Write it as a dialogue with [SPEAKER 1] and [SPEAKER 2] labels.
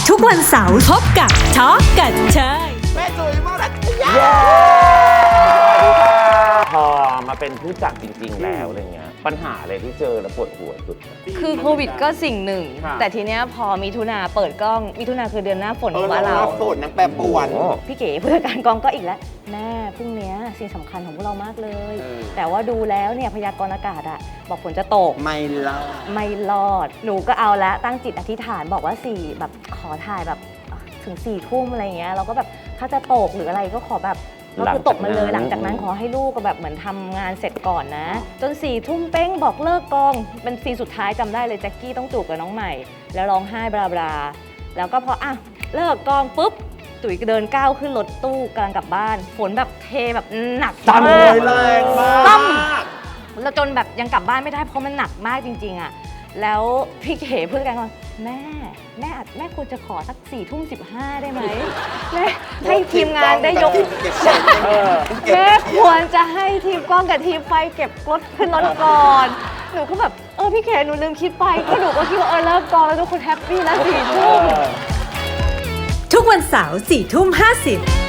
[SPEAKER 1] ทุกวันเสาร์พบกับท็อกกันเชย
[SPEAKER 2] แม่จุ๋ยมาแล้วพอมาเป็นผู้จัดจริงๆแล้วอะไรเงี้ยปัญหาอะไรที่เจอแล้วปวดหัวสุด
[SPEAKER 3] คือโควิดก็สิ่งหนึ่งแต่ทีเนี้ยพอมิถุนาเปิดกล้องมิถุนาคือเดือนหน้าฝนของบ้านเรา
[SPEAKER 2] ฝนนักแปรปรวน
[SPEAKER 3] พี่เก๋ผู้จัดการกองก็อีกแล้วแม่พรุ่งนี้สิ่งสำคัญของพวกเรามากเลยแต่ว่าดูแล้วเนี่ยพยากรณ์อากาศอะบอกฝนจะตกไม่รอดหนูก็เอาแล้วตั้งจิตอธิษฐานบอกว่า4แบบขอถ่ายแบบถึง4 ทุ่มอะไรเงี้ยเราก็แบบถ้าจะตกหรืออะไรก็ขอแบบก็คือตกมาเลยหลังจากนั้นขอให้ลูกก็แบบเหมือนทำงานเสร็จก่อนนะจน4 ทุ่มเป้งบอกเลิกกองเป็นซีนสุดท้ายจำได้เลยแจ็คกี้ต้องจูบกับน้องใหม่แล้วร้องไห้บลาบลาแล้วก็พออ่ะเลิกกองปุ๊บตุ๋ยเดินก้าวขึ้นรถตู้กำลังกลับบ้านฝนแบบเทแบบหนักมาก
[SPEAKER 2] แรงมาก
[SPEAKER 3] แล้วจนแบบยังกลับบ้านไม่ได้เพราะมันหนักมากจริงๆอ่ะแล้วพี่เก๋พูดกันว่าแม่ควรจะขอสัก4:15ได้ไหมแม่ให้ทีมงานได้ยกแม่ควรจะให้ทีมกล้องกับทีมไฟเก็บรถขึ้นรถก่อนหนูก็แบบพี่เก๋หนูลืมคิดไปก็หนูก็คิดว่าเลิกกองแล้วทุกคนแฮปปี้แล้ว4 ทุ่ม
[SPEAKER 1] ทุกวันเสาร์4:50